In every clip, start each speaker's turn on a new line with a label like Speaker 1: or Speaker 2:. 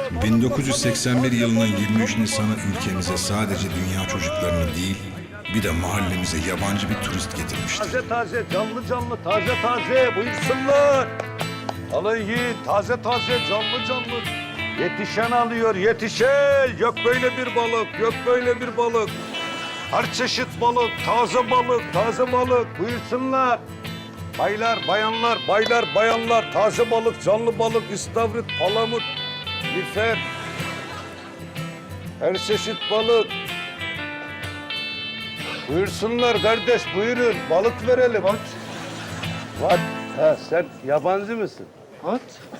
Speaker 1: 1981 yılının 23 Nisan'ı ülkemize sadece dünya çocuklarını değil, bir de mahallemize yabancı bir turist getirmişti.
Speaker 2: Taze taze, canlı canlı, taze taze, buyursunlar. Alın yiyin, taze taze, canlı canlı. Yetişen alıyor, yetişen. Yok böyle bir balık, yok böyle bir balık. Her çeşit balık, taze balık, buyursunlar. Baylar, bayanlar, baylar, bayanlar, taze balık, canlı balık, istavrit, palamut, lüfer. Her çeşit balık. Buyursunlar kardeş, buyurun. Balık verelim. What? Ha, sen yabancı mısın?
Speaker 3: What?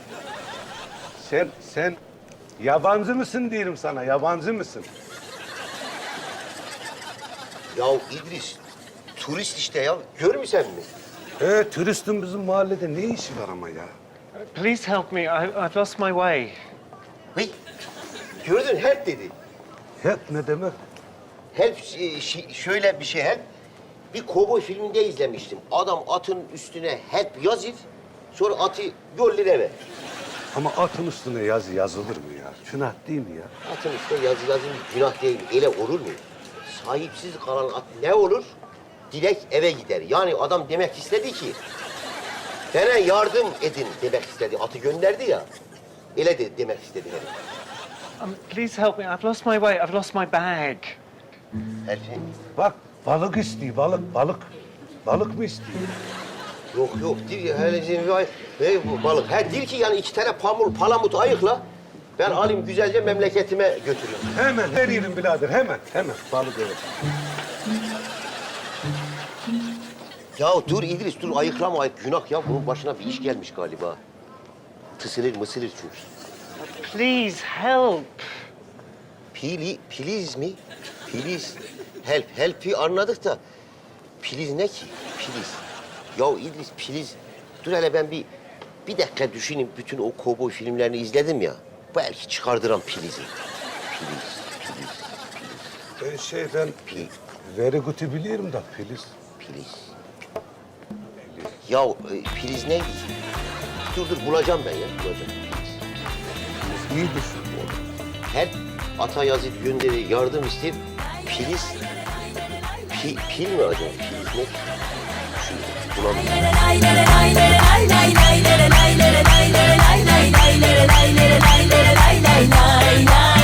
Speaker 2: Sen yabancı mısın diyorum sana, yabancı mısın?
Speaker 4: Ya İdris, turist işte ya. Görmüyor mi?
Speaker 2: Turistin bizim mahallede ne işi var ama ya?
Speaker 3: Please help me. I've lost my way.
Speaker 4: Hey, gördün help dedi.
Speaker 2: Hep ne demek?
Speaker 4: Help şöyle bir şey help. Bir kovboy filminde izlemiştim. Adam atın üstüne help yazır, sonra atı yollar eve.
Speaker 2: Ama atın üstüne yazı yazılır mı ya? Günah değil mi ya?
Speaker 4: Atın üstüne yazı yazın günah değil. Öyle olur mu? Sahipsiz kalan at ne olur? Direkt eve gider. Yani adam demek istedi ki... ...bana yardım edin demek istedi. Atı gönderdi ya. Öyle de demek istedi herif.
Speaker 3: Please help me. I've lost my way. I've lost my bag.
Speaker 4: Help.
Speaker 2: Bak balık istiyor, balık. Balık mı istiyor?
Speaker 4: Yok değil bu balık. Ha değil ki yani 2 tane palamut ayıkla. Ben alayım güzelce memleketime götürüyorum.
Speaker 2: Hemen veririm birader, hemen. Balık evet.
Speaker 4: Ya dur İdris dur ayıklama ayık günah ya. Bunun başına bir iş gelmiş galiba. Tısılır mısılır çünkü.
Speaker 3: Please help.
Speaker 4: Please mi? Please. Help'i anladık da. Please ne ki? Please. Ya İdris please. Dur hele ben bir dakika düşüneyim. Bütün o kovboy filmlerini izledim ya. Belki çıkardıram please'i. Please.
Speaker 2: Ben very good'u biliyorum da Filiz.
Speaker 4: Please. Ya please neydi? Dur bulacağım ben ya. Bulacağım.
Speaker 2: İyidir.
Speaker 4: Her ata yazıp gönderir, yardım ister. Please. Pil mi acaba? Please ne? Şu bulamıyorum.